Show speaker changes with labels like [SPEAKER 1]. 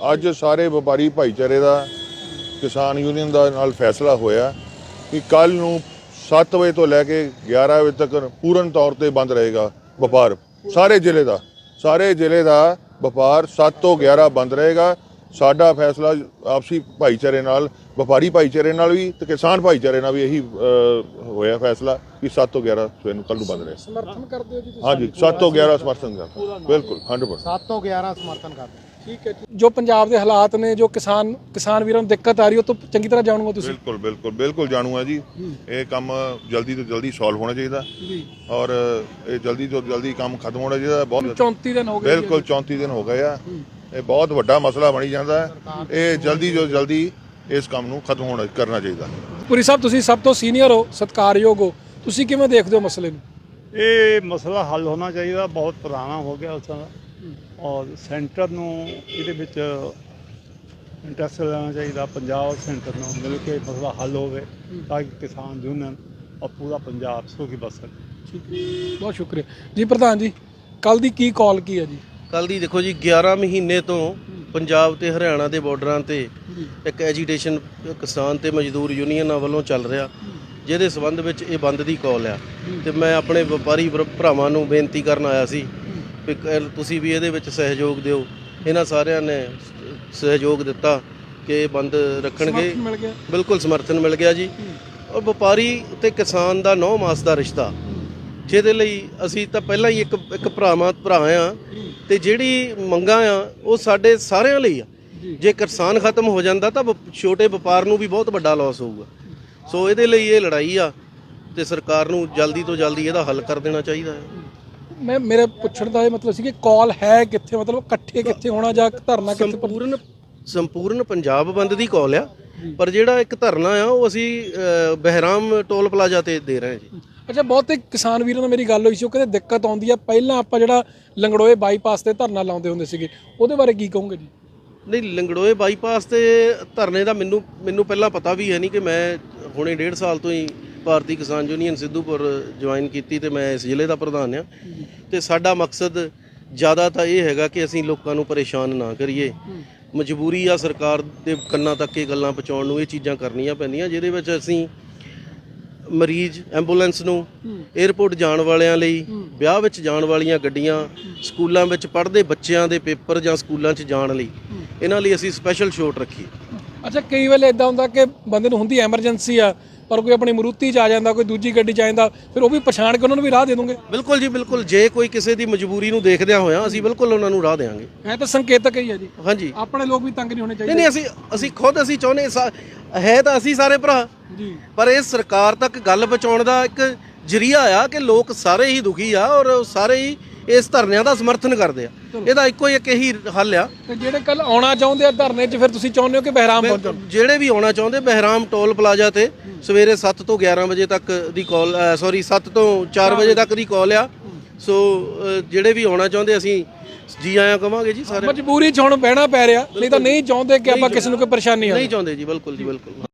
[SPEAKER 1] ਅੱਜ ਸਾਰੇ ਵਪਾਰੀ ਭਾਈਚਾਰੇ ਦਾ ਕਿਸਾਨ ਯੂਨੀਅਨ ਦਾ ਨਾਲ ਫੈਸਲਾ ਹੋਇਆ ਕਿ ਕੱਲ ਨੂੰ 7 ਵਜੇ ਤੋਂ ਲੈ ਕੇ 11 ਵਜੇ ਤੱਕ ਪੂਰਨ ਤੌਰ ਤੇ ਬੰਦ ਰਹੇਗਾ ਵਪਾਰ। ਸਾਰੇ ਜ਼ਿਲ੍ਹੇ ਦਾ ਵਪਾਰ 7 ਤੋਂ 11 ਬੰਦ ਰਹੇਗਾ। ਸਾਡਾ ਫੈਸਲਾ ਆਪਸੀ ਭਾਈਚਾਰੇ ਨਾਲ, ਵਪਾਰੀ ਭਾਈਚਾਰੇ ਨਾਲ ਵੀ ਤੇ ਕਿਸਾਨ ਭਾਈਚਾਰੇ ਨਾਲ ਵੀ ਇਹੀ ਹੋਇਆ ਫੈਸਲਾ ਕਿ 7 ਤੋਂ 11 ਸਵੇਰ ਨੂੰ ਕੱਲ ਨੂੰ ਬੰਦ ਰਹੇ।
[SPEAKER 2] ਸਮਰਥਨ ਕਰਦੇ ਹੋ ਜੀ ਤੁਸੀਂ?
[SPEAKER 1] ਹਾਂਜੀ, 7 ਤੋਂ 11 ਸਮਰਥਨ ਕਰਦਾ, ਬਿਲਕੁਲ 100%।
[SPEAKER 2] 7 ਤੋਂ 11 ਸਮਰਥਨ ਕਰਦੇ। ਠੀਕ ਹੈ। ਜੋ ਪੰਜਾਬ ਦੇ ਹਾਲਾਤ ਨੇ, ਜੋ ਕਿਸਾਨ ਵੀਰਾਂ ਨੂੰ ਦਿੱਕਤ ਆ ਰਹੀ, ਉਹ ਤੋਂ ਚੰਗੀ ਤਰ੍ਹਾਂ ਜਾਣੂਗਾ ਤੁਸੀਂ?
[SPEAKER 1] ਬਿਲਕੁਲ ਜਾਣੂਗਾ ਜੀ। ਇਹ ਕੰਮ ਜਲਦੀ ਤੋਂ ਜਲਦੀ ਸੋਲਵ ਹੋਣਾ ਚਾਹੀਦਾ ਜੀ, ਔਰ ਇਹ ਜਲਦੀ ਤੋਂ ਜਲਦੀ ਕੰਮ ਖਤਮ ਹੋਣਾ ਚਾਹੀਦਾ। ਬਹੁਤ
[SPEAKER 2] 34 ਦਿਨ ਹੋ ਗਏ।
[SPEAKER 1] ਬਿਲਕੁਲ 34 ਦਿਨ ਹੋ ਗਏ ਆ। ਇਹ ਬਹੁਤ ਵੱਡਾ ਮਸਲਾ ਬਣੀ ਜਾਂਦਾ ਹੈ। ਇਹ ਜਲਦੀ ਤੋਂ ਜਲਦੀ ਇਸ ਕੰਮ ਨੂੰ ਖਤਮ ਕਰਨਾ ਚਾਹੀਦਾ।
[SPEAKER 2] ਪੁਰੀ ਸਾਹਿਬ, ਤੁਸੀਂ ਸਭ ਤੋਂ ਸੀਨੀਅਰ ਹੋ, ਸਤਿਕਾਰਯੋਗ ਹੋ, ਤੁਸੀਂ ਕਿਵੇਂ ਦੇਖਦੇ ਹੋ ਮਸਲੇ ਨੂੰ?
[SPEAKER 3] ਇਹ ਮਸਲਾ ਹੱਲ ਹੋਣਾ ਚਾਹੀਦਾ, ਬਹੁਤ ਪੁਰਾਣਾ ਹੋ ਗਿਆ ਉਸ ਦਾ, ਔਰ ਸੈਂਟਰ ਨੂੰ ਇਹਦੇ ਵਿੱਚ ਇੰਟਰਸਟ ਲੈਣਾ ਚਾਹੀਦਾ। ਪੰਜਾਬ ਸੈਂਟਰ ਨੂੰ ਮਿਲ ਕੇ ਮਸਲਾ ਹੱਲ ਹੋਵੇ ਤਾਂ ਕਿ ਕਿਸਾਨ ਯੂਨੀਅਨ ਔਰ ਪੂਰਾ ਪੰਜਾਬ ਸੁਖੀ ਬਸ ਸਕੇ।
[SPEAKER 2] ਬਹੁਤ ਸ਼ੁਕਰੀਆ ਜੀ। ਪ੍ਰਧਾਨ ਜੀ, ਕੱਲ ਦੀ ਕੀ ਕਾਲ ਕੀ ਹੈ ਜੀ?
[SPEAKER 4] ਕੱਲ ਦੀ ਦੇਖੋ ਜੀ, 11 ਮਹੀਨੇ ਤੋਂ ਪੰਜਾਬ ਤੇ ਹਰਿਆਣਾ ਦੇ ਬਾਰਡਰਾਂ ਤੇ ਇੱਕ ਐਜੀਟੇਸ਼ਨ ਕਿਸਾਨ ਤੇ ਮਜ਼ਦੂਰ ਯੂਨੀਅਨਾਂ ਵੱਲੋਂ ਚੱਲ ਰਿਹਾ, ਜਿਹਦੇ ਸੰਬੰਧ ਵਿੱਚ ਇਹ ਬੰਦ ਦੀ ਕਾਲ ਆ। ਤੇ ਮੈਂ ਆਪਣੇ ਵਪਾਰੀ ਭਰਾਵਾਂ ਨੂੰ ਬੇਨਤੀ ਕਰਨ ਆਇਆ ਸੀ ਵੀ ਤੁਸੀਂ ਵੀ ਇਹਦੇ ਵਿੱਚ ਸਹਿਯੋਗ ਦਿਓ। ਇਹਨਾਂ ਸਾਰਿਆਂ ਨੇ ਸਹਿਯੋਗ ਦਿੱਤਾ ਕਿ ਇਹ ਬੰਦ ਰੱਖਣਗੇ। ਬਿਲਕੁਲ ਸਮਰਥਨ ਮਿਲ ਗਿਆ ਜੀ। ਔਰ ਵਪਾਰੀ ਤੇ ਕਿਸਾਨ ਦਾ 9 ਮਾਸ ਦਾ ਰਿਸ਼ਤਾ, ਜਿਹਦੇ ਲਈ ਅਸੀਂ ਤਾਂ ਪਹਿਲਾਂ ਹੀ ਇੱਕ ਭਰਾ ਆ, ਤੇ ਜਿਹੜੀ ਮੰਗਾਂ ਆ ਉਹ ਸਾਡੇ ਸਾਰਿਆਂ ਲਈ ਆ। ਜੇ ਕਿਸਾਨ ਖਤਮ ਹੋ ਜਾਂਦਾ ਤਾਂ ਛੋਟੇ ਵਪਾਰ ਨੂੰ ਵੀ ਬਹੁਤ ਵੱਡਾ ਲਾਸ ਹੋਊਗਾ। ਸੋ ਇਹਦੇ ਲਈ ਇਹ ਲੜਾਈ ਆ ਤੇ ਸਰਕਾਰ ਨੂੰ ਜਲਦੀ ਤੋਂ ਜਲਦੀ ਇਹਦਾ ਹੱਲ ਕਰ ਦੇਣਾ ਚਾਹੀਦਾ ਹੈ।
[SPEAKER 2] ਮੇਰੇ ਪੁੱਛਣ ਦਾ ਇਹ ਮਤਲਬ ਸੀ ਕਿ ਕਾਲ ਹੈ ਕਿੱਥੇ, ਮਤਲਬ ਇਕੱਠੇ ਕਿੱਥੇ ਹੋਣਾ ਜਾਂ ਧਰਨਾ ਕਿੱਥੇ?
[SPEAKER 4] ਸੰਪੂਰਨ ਪੰਜਾਬ ਬੰਦ ਦੀ ਕਾਲ ਆ, ਪਰ ਜਿਹੜਾ ਇੱਕ ਧਰਨਾ ਆ ਉਹ ਅਸੀਂ ਬਹਿਰਾਮ ਟੋਲ ਪਲਾਜ਼ਾ ਤੇ ਦੇ ਰਹੇ ਹਾਂ ਜੀ।
[SPEAKER 2] ਅੱਛਾ, ਬਹੁਤੇ ਕਿਸਾਨ ਵੀਰਾਂ ਨਾਲ ਮੇਰੀ ਗੱਲ ਹੋਈ ਸੀ, ਉਹ ਕਹਿੰਦੇ ਦਿੱਕਤ ਆਉਂਦੀ ਆ। ਪਹਿਲਾਂ ਆਪਾਂ ਜਿਹੜਾ ਲੰਗੜੋਏ ਬਾਈਪਾਸ ਤੇ ਧਰਨਾ ਲਾਉਂਦੇ ਹੁੰਦੇ ਸੀਗੇ, ਉਹਦੇ ਬਾਰੇ ਕੀ ਕਹੋਗੇ ਜੀ?
[SPEAKER 4] ਨਹੀਂ, ਲੰਗੜੋਏ ਬਾਈਪਾਸ ਤੇ ਧਰਨੇ ਦਾ ਮੈਨੂੰ ਪਹਿਲਾਂ ਪਤਾ ਵੀ ਹੈ ਨਹੀਂ ਕਿ ਮੈਂ ਹੁਣੇ 1.5 ਸਾਲ ਤੋਂ ਹੀ ਭਾਰਤੀ ਕਿਸਾਨ ਯੂਨੀਅਨ ਸਿੱਧੂਪੁਰ ਜੁਆਇਨ ਕੀਤੀ ਤੇ ਮੈਂ ਇਸ ਜ਼ਿਲ੍ਹੇ ਦਾ ਪ੍ਰਧਾਨ ਆ। ਤੇ ਸਾਡਾ ਮਕਸਦ ਜ਼ਿਆਦਾ ਤਾਂ ਇਹ ਹੈਗਾ ਕਿ ਅਸੀਂ ਲੋਕਾਂ ਨੂੰ ਪਰੇਸ਼ਾਨ ਨਾ ਕਰੀਏ। ਮਜਬੂਰੀ ਆ ਸਰਕਾਰ ਦੇ ਕੰਨਾਂ ਤੱਕ ਇਹ ਗੱਲਾਂ ਪਹੁੰਚਾਉਣ ਨੂੰ, ਇਹ ਚੀਜ਼ਾਂ ਕਰਨੀਆਂ ਪੈਂਦੀਆਂ, ਜਿਹਦੇ ਵਿੱਚ ਅਸੀਂ ਮਰੀਜ਼, ਐਂਬੂਲੈਂਸ ਨੂੰ, ਏਅਰਪੋਰਟ ਜਾਣ ਵਾਲਿਆਂ ਲਈ, ਵਿਆਹ ਵਿੱਚ ਜਾਣ ਵਾਲੀਆਂ ਗੱਡੀਆਂ, ਸਕੂਲਾਂ ਵਿੱਚ ਪੜ੍ਹਦੇ ਬੱਚਿਆਂ ਦੇ ਪੇਪਰ ਜਾਂ ਸਕੂਲਾਂ 'ਚ ਜਾਣ ਲਈ, ਇਹਨਾਂ ਲਈ ਅਸੀਂ ਸਪੈਸ਼ਲ ਛੋਟ ਰੱਖੀ।
[SPEAKER 2] ਅੱਛਾ, ਕਈ ਵੇਲੇ ਇਦਾਂ ਹੁੰਦਾ ਕਿ ਬੰਦੇ ਨੂੰ ਹੁੰਦੀ ਐਮਰਜੈਂਸੀ ਆ, ਪਰ ਕੋਈ ਆਪਣੀ ਮਰੂਤੀ 'ਚ ਆ ਜਾਂਦਾ, ਕੋਈ ਦੂਜੀ ਗੱਡੀ 'ਚ ਆ ਜਾਂਦਾ, ਫਿਰ ਉਹ ਵੀ ਪਛਾਣ ਕੇ ਉਹਨਾਂ ਨੂੰ ਵੀ ਰਾਹ ਦੇ ਦੋਗੇ?
[SPEAKER 4] ਬਿਲਕੁਲ ਜੀ, ਬਿਲਕੁਲ। ਜੇ ਕੋਈ ਕਿਸੇ ਦੀ ਮਜਬੂਰੀ ਨੂੰ ਦੇਖਦਿਆਂ ਹੋਇਆ, ਅਸੀਂ ਬਿਲਕੁਲ ਉਹਨਾਂ ਨੂੰ ਰਾਹ ਦੇਵਾਂਗੇ।
[SPEAKER 2] ਇਹ ਤਾਂ ਸੰਕੇਤਕ ਹੀ ਹੈ ਜੀ।
[SPEAKER 4] ਹਾਂਜੀ,
[SPEAKER 2] ਆਪਣੇ ਲੋਕ ਵੀ ਤੰਗ ਨਹੀਂ ਹੋਣੇ ਚਾਹੀਦੇ।
[SPEAKER 4] ਨਹੀਂ, ਅਸੀਂ ਚਾਹੁੰਦੇ ਹੈ ਤਾਂ ਅਸੀਂ ਸਾਰੇ ਭਰਾ
[SPEAKER 2] ਜੀ,
[SPEAKER 4] ਪਰ ਇਹ ਸਰਕਾਰ ਤੱਕ ਗੱਲ ਪਹੁੰਚਾਉਣ ਦਾ ਇੱਕ ਜ਼ਰੀਆ ਆ ਕਿ ਲੋਕ ਸਾਰੇ ਹੀ ਦੁਖੀ ਆ ਔਰ ਸਾਰੇ ਹੀ ਇਸ ਧਰਨਿਆਂ ਦਾ ਸਮਰਥਨ ਕਰਦੇ ਆ। ਇਹਦਾ ਇੱਕੋ ਇੱਕ ਇਹੀ ਹੱਲ ਆ।
[SPEAKER 2] ਤੇ ਜਿਹੜੇ ਕੱਲ ਆਉਣਾ ਚਾਹੁੰਦੇ ਆ ਧਰਨੇ 'ਚ, ਫਿਰ ਤੁਸੀਂ ਚਾਹੁੰਦੇ ਹੋ ਕਿ ਬਹਿਰਾਮ ਪਹੁੰਚਣ?
[SPEAKER 4] ਜਿਹੜੇ ਵੀ ਆਉਣਾ ਚਾਹੁੰਦੇ, ਬਹਿਰਾਮ ਟੋਲ ਪਲਾਜ਼ਾ ਤੇ ਸਵੇਰੇ 7 ਤੋਂ 11 ਵਜੇ ਤੱਕ ਦੀ ਕਾਲ, 7 ਤੋਂ 4 ਵਜੇ ਤੱਕ ਦੀ ਕਾਲ ਆ। ਸੋ ਜਿਹੜੇ ਵੀ ਆਉਣਾ ਚਾਹੁੰਦੇ ਅਸੀਂ ਜੀ ਆਇਆਂ ਕਵਾਂਗੇ ਜੀ। ਸਾਰੇ
[SPEAKER 2] ਮਜਬੂਰੀ 'ਚ ਹੁਣ ਬਹਿਣਾ ਪੈ ਰਿਹਾ, ਨਹੀਂ ਤਾਂ ਨਹੀਂ ਚਾਹੁੰਦੇ ਕਿ ਆਪਾਂ ਕਿਸੇ ਨੂੰ ਕੋਈ ਪਰੇਸ਼ਾਨੀ ਆਵੇ।
[SPEAKER 4] ਨਹੀਂ ਚਾਹੁੰਦੇ ਜੀ, ਬਿਲਕੁਲ ਜੀ, ਬਿਲਕੁਲ।